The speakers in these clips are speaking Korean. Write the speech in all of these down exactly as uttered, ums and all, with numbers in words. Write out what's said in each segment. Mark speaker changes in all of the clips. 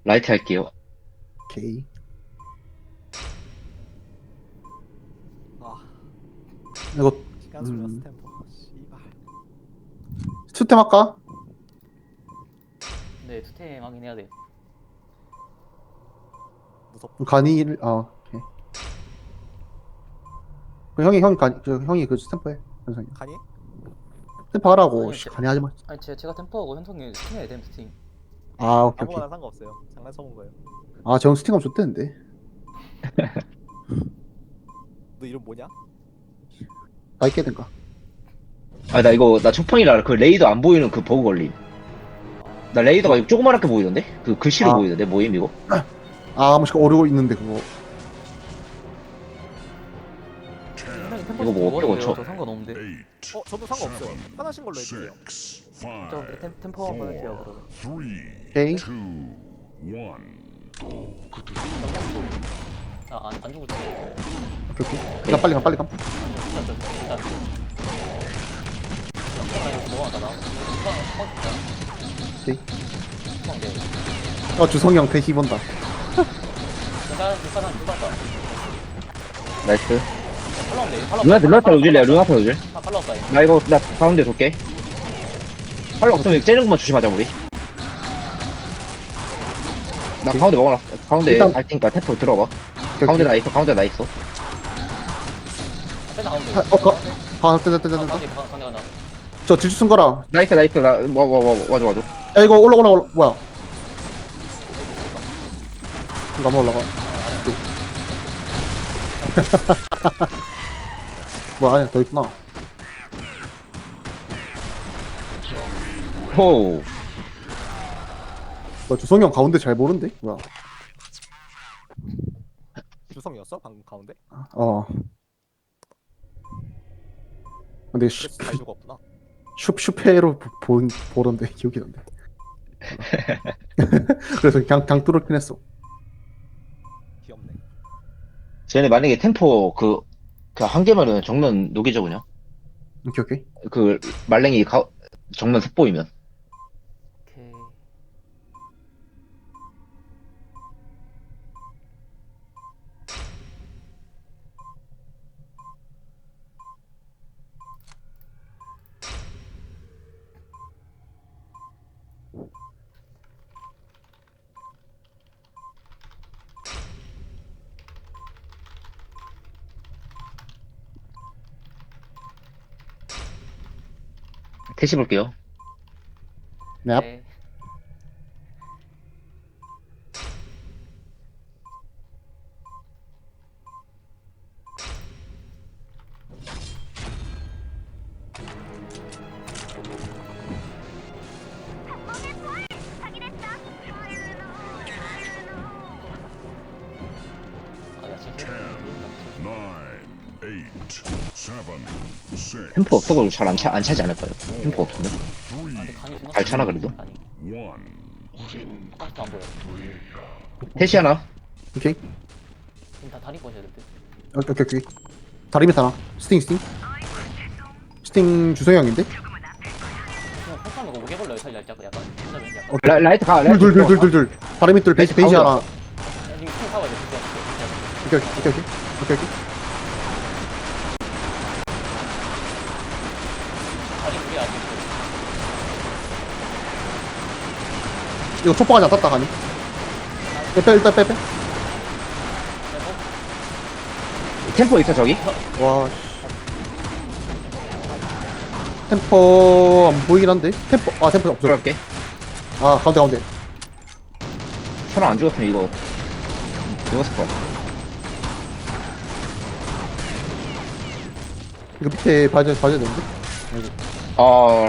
Speaker 1: 라이트 할게요.
Speaker 2: 오케이.
Speaker 3: 아
Speaker 2: 이거
Speaker 3: 시간 소요가
Speaker 2: 음
Speaker 3: 스탬퍼 씨발.
Speaker 2: 스템 할까?
Speaker 4: 네, 투템 하긴 해야 돼.
Speaker 3: 무섭다.
Speaker 2: 간이를 아 오케이. 그 형이 형이 간 저, 형이 그 스탬프 해. 현성이.
Speaker 3: 가니?
Speaker 2: 스탬프 하라고.
Speaker 4: 아니요,
Speaker 2: 씨,
Speaker 4: 제,
Speaker 2: 간이 하지 마.
Speaker 4: 아니 제, 제가 템포하고 현성이 스팀해야 돼, 스팀.
Speaker 2: 아 오케이 오케이.
Speaker 3: 아무거나 상관없어요. 장난쳐본 거예요.
Speaker 2: 아 정 스팅하면 좋대는데.
Speaker 3: 너 이름 뭐냐?
Speaker 2: 나 있게 된가.
Speaker 1: 아, 나 이거, 나 첫판이라 그 레이더 안 보이는 그 버그 걸림. 나 레이더가 이거 조그맣게 보이던데? 그 글씨로
Speaker 2: 아.
Speaker 1: 보이던데? 뭐임, 이거?
Speaker 2: 아 뭐시 오르고 있는데 그거.
Speaker 4: 현성이 템포
Speaker 1: 이거 뭐
Speaker 4: 좀
Speaker 1: 어쩌고
Speaker 4: 먹어요.
Speaker 1: 저-
Speaker 4: 저 상관없는데.
Speaker 3: 어 저도 상관없어요. 편하신 걸로 해주세요.
Speaker 4: 저 그래, 템, 템포 한번 할게요, 그러면.
Speaker 2: 오케이.
Speaker 4: 아, 안, 안 죽을 때.
Speaker 2: 오케이 오케이. 일단 빨리 가 빨리 가.
Speaker 4: 일단 좀, 일단. 일단 이거 넘어간다, 나. 후방, 후방 진짜.
Speaker 2: 오케이.
Speaker 4: 후방 돼.
Speaker 2: 어 주성이 형 대시 본다.
Speaker 4: 일단, 일단, 일단, 일단.
Speaker 1: 나이스.
Speaker 4: 팔라움 돼, 팔라움.
Speaker 1: 루나타, 루나타 노질래요, 루나타 노질.
Speaker 4: 아, 팔라움 다
Speaker 1: 나 이거, 나 가운데 돌게. 팔로 없으면 째는 것만 조심하자, 우리. 나 가운데 먹어놨어. 가운데
Speaker 2: 일단-
Speaker 1: 갈 테니까 태포 들어봐.
Speaker 2: 오케이,
Speaker 1: 가운데
Speaker 2: 오케이.
Speaker 1: 나 있어, 가운데 나 있어.
Speaker 4: 아, 가운데.
Speaker 2: 아, 어, 가, 가, 됐다, 됐다,
Speaker 4: 아,
Speaker 2: 됐다.
Speaker 4: 가운데, 가- 가운데 간다.
Speaker 2: 저 질주 쓴 거라.
Speaker 1: 나이스, 나이스, 나, 뭐, 뭐, 뭐, 와줘, 와줘.
Speaker 2: 야, 이거 올라, 올라, 올라, 뭐야. 이거 한번 올라가. 뭐야, 아니야, 더 있구나.
Speaker 1: 호우.
Speaker 2: 뭐, 주성이 형 가운데 잘 보는데? 뭐야.
Speaker 3: 주성이었어? 방금 가운데?
Speaker 2: 어. 근데 슈,
Speaker 3: 그래서 잘 죽었구나.
Speaker 2: 슈, 슈페로 보- 본, 보던데, 기억이 난데. 그래서 그냥, 그냥 뚫었긴 했어.
Speaker 3: 귀엽네.
Speaker 1: 쟤네 만약에 템포 그, 그 한 개면은 정면 녹이죠, 그냥.
Speaker 2: 오케이, 오케이.
Speaker 1: 그, 말랭이 가, 정면 섭보이면.
Speaker 4: 오케이.
Speaker 1: 테시 볼게요.
Speaker 2: 네.
Speaker 4: 네. 아, 야, 진짜.
Speaker 1: 템포 없어도 잘 안 차, 안 차지 않을까요? 템포 없으면?
Speaker 4: 아, 근데 간이 존나
Speaker 1: 잘 차나, 그래도?
Speaker 4: 아니, 아직도 안 보여.
Speaker 1: 테시 하나?
Speaker 2: 오케이.
Speaker 4: 지금 다 다리 꺼셔야 될 듯.
Speaker 2: 오케이, 오케이, 오케이. 다리 밑 하나. 스팅, 스팅. 스팅 주성이 형인데?
Speaker 4: 그냥 폭탄 먹고 오게 걸려요, 살짝 약간. 약간. 약간.
Speaker 2: 어,
Speaker 1: 라, 라이트 가, 라이트
Speaker 2: 둘, 둘, 둘,
Speaker 1: 가.
Speaker 2: 둘, 둘, 둘. 다리 밑 둘, 베이지,
Speaker 1: 베이지
Speaker 2: 베이지 하나.
Speaker 1: 가운데.
Speaker 4: 야, 지금 총 사와야 돼, 진짜.
Speaker 2: 오케이, 오케이, 오케이. 오케이, 오케이.
Speaker 4: 다리 두개 아직.
Speaker 2: 이거 촉박하지 않았다, 가니? 빼, 빼, 일단 빼, 빼.
Speaker 1: 템포 있어, 저기?
Speaker 2: 와, 씨. 템퍼 안 보이긴 한데? 템퍼, 아, 템퍼 없어.
Speaker 1: 들어갈게.
Speaker 2: 아, 가운데, 가운데.
Speaker 1: 사람 안 죽었으면 이거, 죽었을 거야.
Speaker 2: 이거 밑에 봐야, 봐야 되는데?
Speaker 1: 아,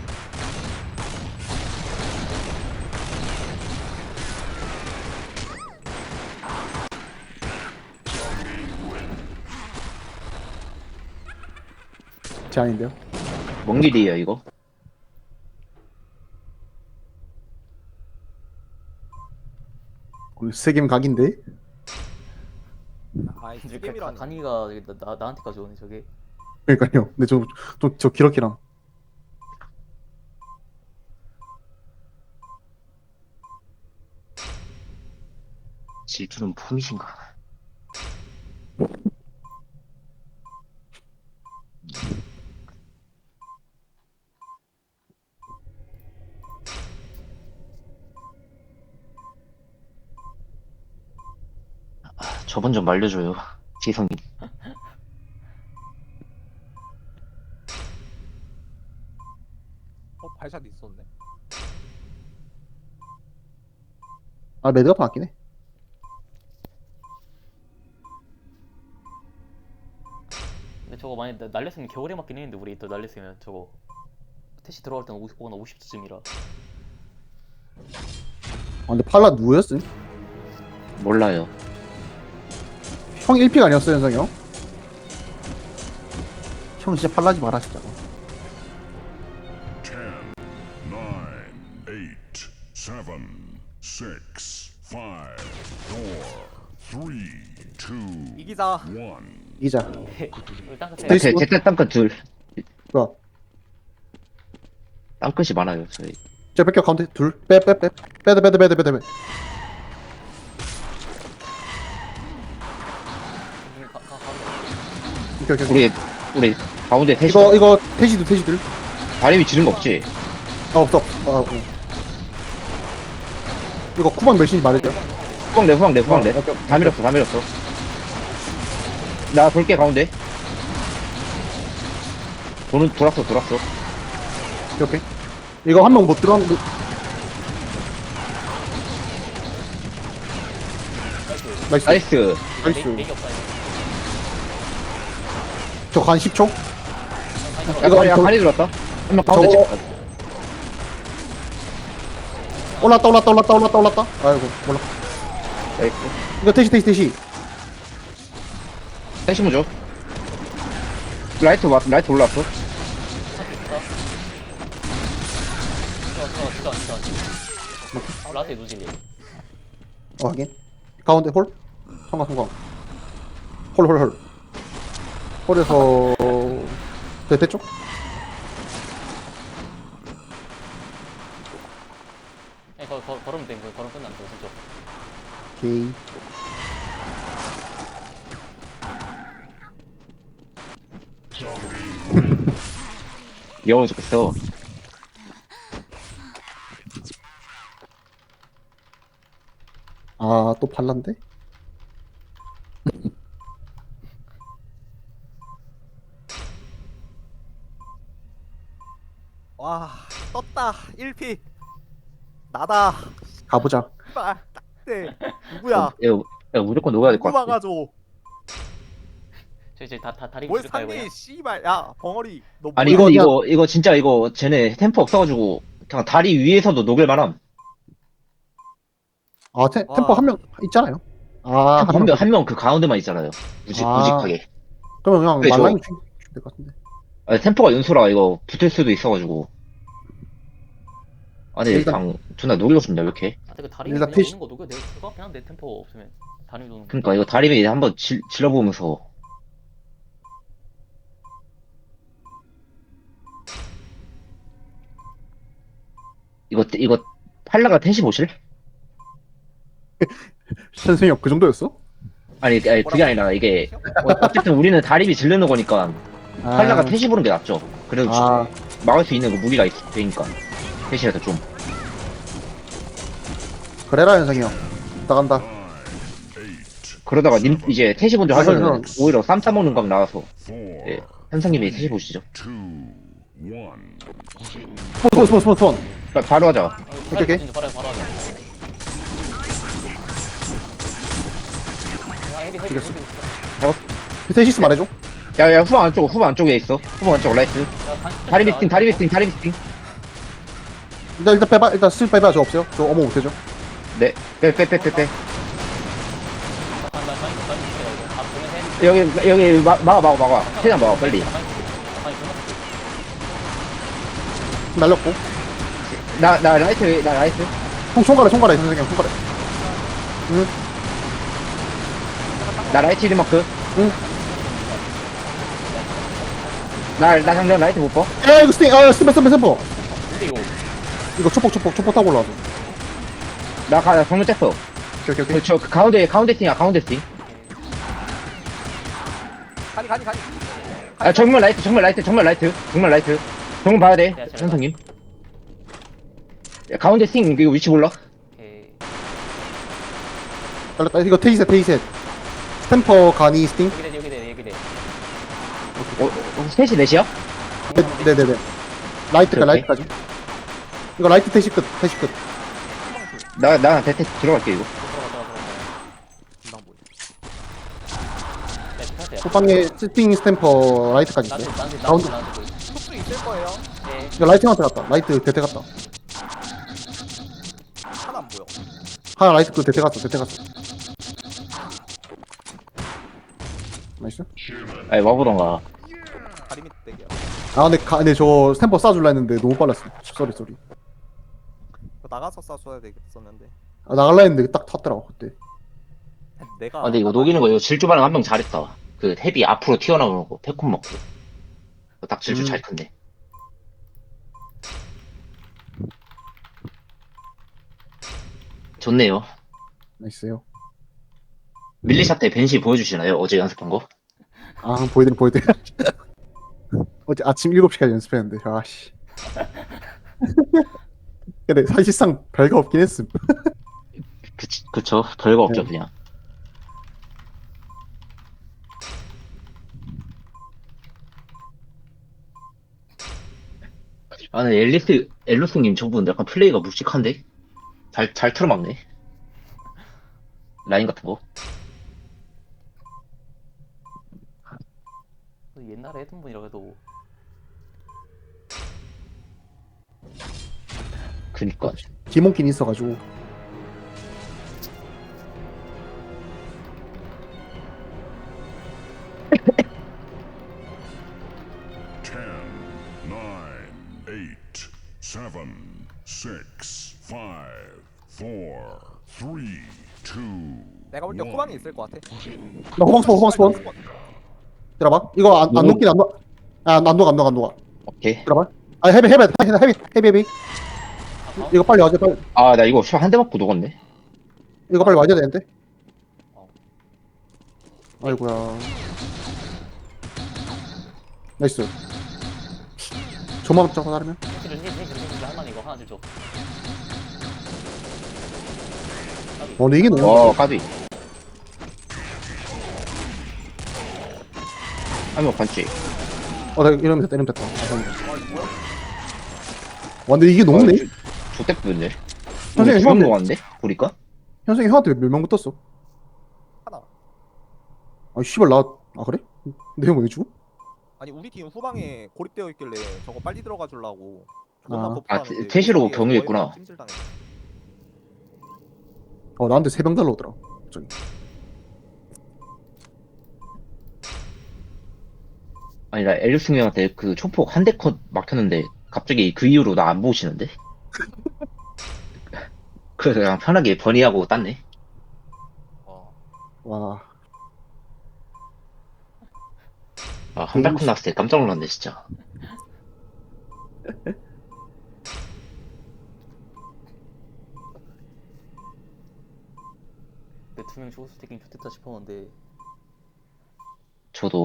Speaker 2: 제 아닌데요?
Speaker 1: 뭔 길이에요, 이거?
Speaker 2: 오늘 세 게임 각인데?
Speaker 3: 아이
Speaker 4: 이렇게 가-
Speaker 3: 게임이라니.
Speaker 4: 간이가 나, 나, 나한테까지 오네, 저게.
Speaker 2: 그러니까요. 근데 저, 저, 저 기럭기랑.
Speaker 1: 질투는 폼이신가? 아, 저번 좀 말려줘요, 지성이.
Speaker 3: 어 발샷 있었네.
Speaker 2: 아 매드가 바뀌네.
Speaker 4: 근데 저거 만약 나- 날렸으면 겨울에 맞긴 했는데 우리 또 날렸으면 저거 태시 들어갈 때는 오십, 나 오십 초쯤이라.
Speaker 2: 아 근데 팔라 누구였음?
Speaker 1: 몰라요.
Speaker 2: 형 일 피가 아니었어 현성이 형? 형 진짜 팔라지 마라 진짜.
Speaker 5: ten, nine, eight, seven, six, five, four, three, two,
Speaker 3: 이기자.
Speaker 5: one.
Speaker 2: 이자.
Speaker 4: 일단
Speaker 2: 네,
Speaker 4: 그때
Speaker 1: 제, 제 땅끝 둘.
Speaker 2: 뭐야?
Speaker 1: 땅끝이 많아요, 저희.
Speaker 2: 저 뺏겨 가운데 둘. 빼 빼 빼. 빼드 빼드 빼드 빼드 빼.
Speaker 4: 가, 가, 가.
Speaker 2: 오케이 오케이.
Speaker 1: 우리, 우리, 가운데 태시.
Speaker 2: 이거 이거 태시도 태시들.
Speaker 1: 다리미 지른 거 없지?
Speaker 2: 아 없어. 아 어. 이거 쿠방 몇인지 말해줘.
Speaker 1: 후방 내, 후방 내, 후방 내.
Speaker 2: 어, 오케이,
Speaker 1: 다 밀었어, 다 밀었어. 나 돌게, 가운데. 도는, 돌았어, 돌았어.
Speaker 2: 오케이 오케이. 이거 한 명 못 들어왔는데. 나이스.
Speaker 1: 나이스.
Speaker 2: 나이스.
Speaker 4: 내, 내기 없다 이거.
Speaker 2: 저간 십 초.
Speaker 1: 야,
Speaker 2: 이거
Speaker 1: 가리, 야,
Speaker 2: 저-
Speaker 1: 가리 들었다. 한 명 가운데
Speaker 2: 저거-
Speaker 1: 찍
Speaker 2: 올랐다 올랐다 올랐다 올랐다 올랐다. 아이고 올라.
Speaker 1: 나이스.
Speaker 2: 이거 태시 태시 태시.
Speaker 1: 태시 무죠. 라이트 왔, 라이트 올라왔어.
Speaker 4: 진짜 진짜 진짜 진짜. 아, 라테 누질리.
Speaker 2: 어 확인. 가운데 홀. 성광 성광. 홀홀 홀. 홀에서 대대 쪽.
Speaker 4: 예, 거, 거, 걸으면 돼. 거, 걸으면 끝난다 진짜.
Speaker 2: 오케이.
Speaker 1: 귀여워 죽겠어.
Speaker 2: 아 또 발란데?
Speaker 3: 와 떴다. 일 피. 나다.
Speaker 2: 가보자.
Speaker 3: 씨발. 딱대. 누구야?
Speaker 1: 이거, 이거 무조건 녹아야 될 것
Speaker 3: 누구
Speaker 1: 같아.
Speaker 3: 막아줘.
Speaker 4: 저기 저기 다, 다 다리
Speaker 3: 뭘
Speaker 4: 부실까요 그냥?
Speaker 3: 샀니? 씨발. 야 벙어리. 너
Speaker 1: 아니,
Speaker 3: 뭐야?
Speaker 1: 근데
Speaker 2: 이거
Speaker 1: 이거, 이거 진짜 이거, 쟤네 템포 없어가지고, 그냥 다리 위에서도 녹을 만함.
Speaker 2: 아 템,
Speaker 3: 와.
Speaker 2: 템포 한 명 있잖아요. 아
Speaker 1: 한
Speaker 2: 한
Speaker 1: 명,
Speaker 2: 명.
Speaker 1: 한 명 그 가운데만 있잖아요. 무직,
Speaker 2: 아.
Speaker 1: 무직하게.
Speaker 2: 그러면 그냥
Speaker 1: 그래, 저-
Speaker 2: 말랑이 될것 같은데.
Speaker 1: 아니, 템포가 연소라 이거 붙을 수도 있어가지고. 아니,
Speaker 2: 일단-
Speaker 1: 그냥 존나 노리고 싶냐, 왜 이렇게?
Speaker 4: 아, 그 다리
Speaker 2: 일단
Speaker 4: 그냥
Speaker 2: 태시-
Speaker 4: 오는 거 녹여 내 그거 그냥 내 템포 없으면 다리 도는 거.
Speaker 1: 그니까 이거 다리미 한번 질, 질러보면서. 이거, 이거, 팔라가 텐시 보실?
Speaker 2: 선생님 그 정도였어?
Speaker 1: 아니, 아니, 그게 아니라 이게, 어, 어쨌든 우리는 다리미 질르는 거니까,
Speaker 2: 아,
Speaker 1: 팔라가 텐시 보는 게 낫죠. 그래도
Speaker 2: 아.
Speaker 1: 막을 수 있는 그 무기가 있, 되니까. 텐시라도 좀.
Speaker 2: 그래라 현성이 형. 나간다.
Speaker 5: Nine, eight,
Speaker 1: 그러다가 님, 이제 텐시 먼저
Speaker 2: 아,
Speaker 1: 하면은
Speaker 2: 그럼.
Speaker 1: 오히려 쌈 싸먹는 각 나와서,
Speaker 5: four,
Speaker 1: 예, 현상님이 텐시 보시죠.
Speaker 5: two, one.
Speaker 2: 스폰 스폰 스폰 스폰.
Speaker 1: 바, 바로 하자.
Speaker 4: 아,
Speaker 2: 오케이, 오케이.
Speaker 4: 바로 바로 하자. 아, 헤비 헤비
Speaker 2: 이겼어.
Speaker 4: 헤비.
Speaker 2: 테시스 말해줘.
Speaker 1: 야, 야, 후방 안쪽, 후방 안쪽에 있어. 후방 안쪽 라이트.
Speaker 4: 야, 간-
Speaker 1: 다리 비스팅, 다리 비스팅, 다리 비스팅.
Speaker 2: 일단 일단 빼봐. 일단 슬 빼봐. 저 없어요. 저 어머 못해줘.
Speaker 1: 네, 빼, 빼, 빼, 빼, 빼.
Speaker 4: 간- 간- 간- 간- 간- 간- 간- 보면 해.
Speaker 1: 여기, 여기, 마, 막아, 막아, 막아. 최대한 막아, 빨리.
Speaker 4: 간- 간- 간- 간-
Speaker 2: 날렸고.
Speaker 1: 나, 나 라이트, 나 라이트.
Speaker 2: 총 총괄해 총괄해 선생님 총괄해. 응.
Speaker 1: 나 라이트 리마크.
Speaker 2: 응.
Speaker 1: 나, 나 당장 라이트 못 봐.
Speaker 2: 야 이거 스팅. 아 스팀 스팀 스팀.
Speaker 4: 근데 이거
Speaker 2: 이거 초폭 초폭 초폭 타고 올라와서.
Speaker 1: 나 가, 나 정면 뗐어.
Speaker 2: 오케이 오케이 오케이.
Speaker 1: 그저 그 가운데 가운데 팀이야 가운데 팀.
Speaker 3: 가니 가니 가니.
Speaker 1: 아 정말 라이트 정말 라이트 정말 라이트 정말 라이트. 정말 봐야 돼 현성님. 야, 가운데 팀 이거 위치 몰라?
Speaker 4: 오케이.
Speaker 2: 잘랐다. 이거 테이셋 테이셋. 스탬퍼 가니 스팅.
Speaker 4: 여기 돼, 여기 돼, 여기 돼.
Speaker 1: 어, 어 셋이 넷이야?
Speaker 2: 네, 네네네. 라이트까
Speaker 1: 오케이,
Speaker 2: 라이트까지. 이거 라이트 태시 끝 태시 끝.
Speaker 1: 나나 대퇴 들어갈게 이거.
Speaker 4: 들어가, 들어가, 들어가.
Speaker 3: 금방 보여.
Speaker 4: 네, 스타트야.
Speaker 2: 후방에 스팅 스탬퍼 라이트까지
Speaker 4: 나한테,
Speaker 2: 있어요.
Speaker 4: 나한테,
Speaker 2: 가운데.
Speaker 4: 나한테, 나한테 보여.
Speaker 3: 속도 있을 거예요.
Speaker 4: 네.
Speaker 2: 이거 라이트한테 갔다. 라이트 대퇴 갔다.
Speaker 3: 하나 안 보여.
Speaker 2: 하나 라이트 그 대퇴 갔어 대퇴 갔어. 나이스.
Speaker 1: 아니 와보던가.
Speaker 3: 다리 밑 대기야.
Speaker 2: 아 근데 가, 근데 저 스탬퍼 쏴줄라 했는데 너무 빨랐어. 쏘리 쏘리.
Speaker 3: 이거 나가서 쏴줘야 되겠었는데.
Speaker 2: 아 나갈라 했는데 딱 탔더라고 그때.
Speaker 3: 내가.
Speaker 1: 아 근데 이거 녹이는 거 이거 질주반응 한 명 잘했다. 그 헤비 앞으로 튀어나오는 거 패콘 먹고. 딱 질주
Speaker 2: 음.
Speaker 1: 잘 큰데. 좋네요.
Speaker 2: 나이스요.
Speaker 1: 밀리샷 때 벤시 보여주시나요? 어제 연습한 거?
Speaker 2: 아 보여드려 보여드려. 어제 아침 일곱 시까지 연습했는데 아씨. 근데 사실상 별거 없긴 했음.
Speaker 1: 그, 그쵸. 별거 없죠
Speaker 2: 네.
Speaker 1: 그냥. 아, 근데 앨리스, 엘루스님 저분 약간 플레이가 묵직한데? 잘, 잘 틀어막네. 라인 같은 거.
Speaker 4: 옛날에 했던 분이라고 해도
Speaker 1: 그니까.
Speaker 2: 기본긴 있어가지고.
Speaker 5: ten, nine, eight, seven, six, five, four, three, two,
Speaker 3: 내가 볼 때
Speaker 5: one.
Speaker 3: 후방에 있을 것 같아.
Speaker 2: 나 호방 스폰 호방 스폰. 들어봐. 이거 안, 안
Speaker 1: 뭐?
Speaker 2: 녹긴 안 녹. 아안 녹아 안 녹아 안 녹아.
Speaker 1: 오케이.
Speaker 2: 들어봐. 아 헤비 헤비 헤비 헤비 헤비 헤비. 이거 빨리 와줘 빨리.
Speaker 1: 아, 나 이거 한 대 맞고 녹았네.
Speaker 2: 이거 빨리 와줘야 되는데.
Speaker 4: 어.
Speaker 2: 아이고야. 나이스. 조만 잡고 나르면.
Speaker 4: 해지를 해지 해지를 해지를 할만 이거 하나 줘.
Speaker 2: 어 근데 이게 너무.
Speaker 1: 어, 까비. 한명 반지.
Speaker 2: 어, 나 이러면 됐다, 이러면 됐다. 아, 다행이다. 와, 근데 이게 녹네?
Speaker 1: 좋대 뿌렸네.
Speaker 2: 선생님,
Speaker 1: 주먹
Speaker 2: 형한테-
Speaker 1: 녹았는데? 보니까?
Speaker 2: 현승이 형한테 몇 명 붙었어?
Speaker 3: 하나.
Speaker 2: 아, 씨발, 나, 아, 그래? 근데 형 왜 죽어?
Speaker 3: 아니 우리 팀 후방에 고립되어 있길래 저거 빨리 들어가 주려고.
Speaker 2: 아.
Speaker 1: 아, 테- 태시로 경유했구나.
Speaker 2: 어, 나한테 세 병 달라오더라. 저기.
Speaker 1: 아니, 나 엘루스 형한테 그 초폭 한 대 컷 막혔는데, 갑자기 그 이후로 나 안 보시는데? 그래서 그냥 편하게 버니하고 땄네.
Speaker 2: 와.
Speaker 1: 아, 한 달 컷 났을 때 깜짝 놀랐네, 진짜.
Speaker 4: 두명 죽었을 때긴 좋겠다 싶었는데
Speaker 1: 저도.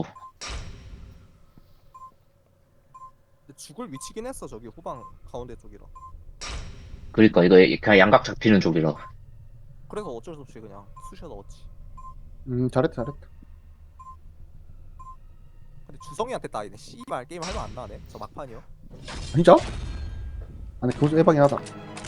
Speaker 3: 죽을 위치긴 했어 저기 후방 가운데 쪽이라.
Speaker 1: 그러니까 이거 그냥 양각 잡히는 쪽이라.
Speaker 3: 그래서 어쩔 수 없이 그냥 쑤셔 넣었지.
Speaker 2: 음, 잘했다, 잘했다.
Speaker 3: 근데 주성이한테 따이네. 씨발 게임 할만 안 나네. 저 막판이요.
Speaker 2: 진짜? 아니, 그거 해방이 하다.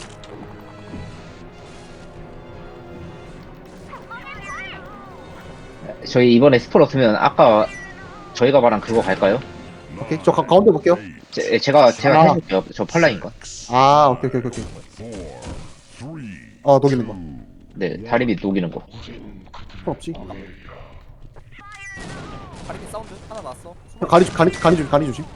Speaker 1: 저희 이번에 스포 없으면 아까 저희가 말한 그거 갈까요?
Speaker 2: 오케이, 저 가, 가운데 볼게요.
Speaker 1: 제, 제가 제가
Speaker 2: 아.
Speaker 1: 해줄게요. 저 팔라인 거.
Speaker 2: 아, 오케이, 오케이, 오케이. 오케이.
Speaker 5: four, three,
Speaker 2: 아, 녹이는 거.
Speaker 1: 네, 다리 밑 녹이는 거.
Speaker 2: 필요 없지.
Speaker 3: 다리 밑 사운드 하나 났어.
Speaker 2: 형, 가리, 가리, 가리 조심, 가리 조심.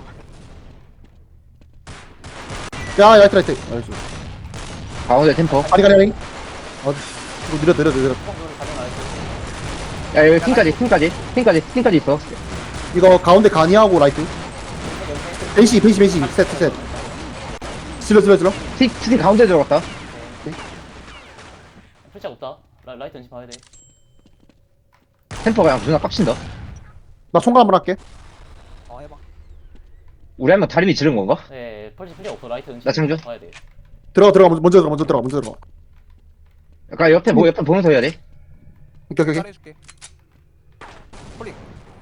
Speaker 2: 야, 라이트, 라이트. 나이스.
Speaker 1: 가운데 템퍼.
Speaker 2: 가리, 가리, 가리. 어, 이거 느려, 느려, 느려.
Speaker 4: 후방으로 가져가야지.
Speaker 1: 야, 여기 팀까지, 팀까지, 팀까지, 팀까지 있어.
Speaker 2: 이거 가운데 가니하고 라이트. 벤시, 벤시, 벤시. 셋, 셋. 질러, 질러, 질러.
Speaker 1: 팀, 팀 가운데 들어갔다.
Speaker 4: 풀짝 없다. 라, 라이트 은신 봐야 돼.
Speaker 1: 템퍼가 그냥 누나 빡친다.
Speaker 2: 나 총괄 한번 할게.
Speaker 3: 어 해봐.
Speaker 1: 우리 한명 다리미 지른 건가?
Speaker 4: 네, 펄시 필요 없어. 라이트 은신
Speaker 1: 나 지금 좀-
Speaker 4: 봐야 돼.
Speaker 2: 들어가 들어가 먼저 들어가 먼저 들어가 먼저 들어가.
Speaker 1: 약간 옆에 뭐 옆에 보면서 해야 돼.
Speaker 2: 오케이 오케이 오케이.
Speaker 3: 잘해줄게. 홀릭.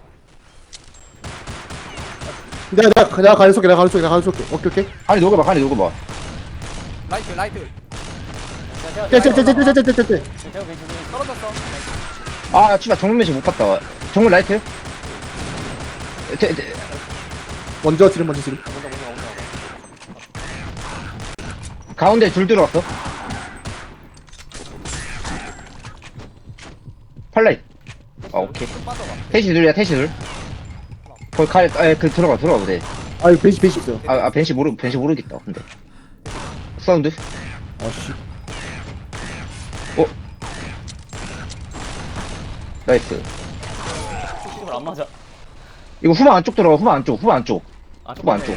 Speaker 2: 내가 내가 내가 가는 쏠게 내가 가는 쏠게 내가 가는 쏠게. 오케이 오케이.
Speaker 1: 아니 녹여봐, 아니 녹여봐.
Speaker 3: 라이트 라이트.
Speaker 2: 떼떼떼떼떼떼떼떼.
Speaker 4: 제가 왜 지금
Speaker 3: 떨어졌어.
Speaker 1: 아, 씨발 정문 매시 못 봤다. 정문 라이트? 대, 대,
Speaker 2: 먼저 지름 먼저 지름.
Speaker 4: 먼저 먼저 먼저.
Speaker 1: 가운데 둘 들어왔어. 팔라이. 아, 오케이.
Speaker 3: 좀 빠져봐.
Speaker 1: 태시 둘이야, 태시 둘. 거기 가, 아, 그 들어가, 들어가 보세.
Speaker 2: 아 이거 베이시 베이시 있어요.
Speaker 1: 아, 아, 벤시 모르, 벤시 모르겠다. 근데. 사운드.
Speaker 2: 아씨.
Speaker 1: 나이스.
Speaker 4: 수식을 안 맞아.
Speaker 1: 이거 후방 안쪽 들어가, 후방 안쪽, 후방 안쪽.
Speaker 4: 아,
Speaker 1: 후방 안쪽.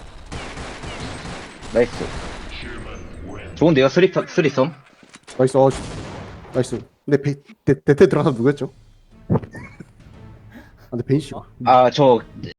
Speaker 1: 나이스. 좋은데요, 쓰리, 쓰리썸?
Speaker 2: 나이스. 어, 나이스. 근데 베 대, 대퇴 들어가서 누구였죠? 아 근데 베이시가.
Speaker 1: 아, 저,